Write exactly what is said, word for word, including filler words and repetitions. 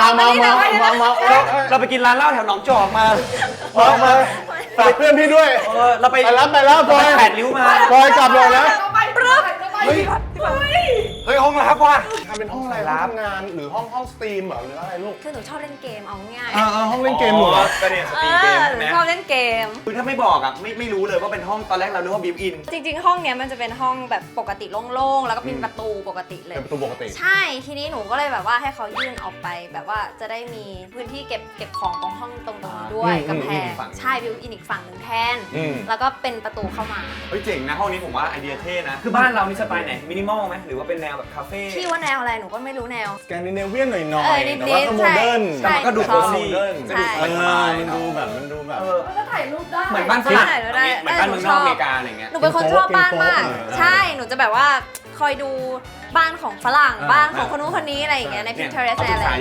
มามามามามาเราเราไปกินร้านเหล้าแถวหนองจอกมามามาฝากเพื่อนพี่ด้วยเออเราไปไปรับไปแล้วพลอยแปดริ้วมาพลอยกลับเลยนะเฮ้ยเฮ้ยห้องรับว่ะทำเป็นห้องอะไรห้องทำงานหรือห้องห้องสตรีมเหรอหรืออะไรลูกคือหนูชอบเล่นเกมเอาง่ายอ่าห้องเล่นเกมหนูเหรอก็เนี่ยสเอตรีมเกมอใช่หไหนูมชอบเล่นเกมคือถ้าไม่บอกอ่ะไม่ไม่รู้เลยว่าเป็นห้องตอนแรกเรานึกว่าบิวอินจริงๆ ห้องเนี้ยมันจะเป็นห้องแบบปกติโล่งๆ แล้วก็เป็นประตูปกติเลยเป็นประตูปกติใช่ ทีนี้หนูก็เลยแบบว่าให้เขายื่นออกไปแบบว่าจะได้มีพื้นที่เก็บเก็บของตรงห้องตรงตรงนี้ด้วยอืมกำแพงอืมฝั่งใช่บิวอินอีกฝั่งหนึ่งแทนอืมแล้วก็เป็นประตูเข้ามาเฮ้ยเจ๋งนะห้องนี้ผมว่าไอเดียเท่นะ คือบ้านเรามีสไตล์ไหนมินิมอลไหมหรือว่าเป็นแนวแบบคาเฟ่พี่ว่าแนวอะไรหนูก็ไม่รู้แนวสแกนดิเนเวียนหน่อยหน่อเอย อนิดๆแต่ว่าก็โมเดิร์นใช่แต่มันก็ดูใช่โคซี่โมเดิร์นก็ดูเอสบายอๆมันดูแบบมันดูแบบเออก็ถ่ายรูปได้เหมือนบ้านฝรั่งใช่ได้เหมือนบ้านเมืองนอกอเมริกาอะไรเงี้ยหนูเป็นคนชอบบ้านมากเออใช่ หนูจะแบบว่าคอยดูบ้านของฝรั่งเออบ้านของคนนู้นคนนี้อะไรอย่างเงี้ยในเนี่ย Pinterest เอาอะไรศึกษา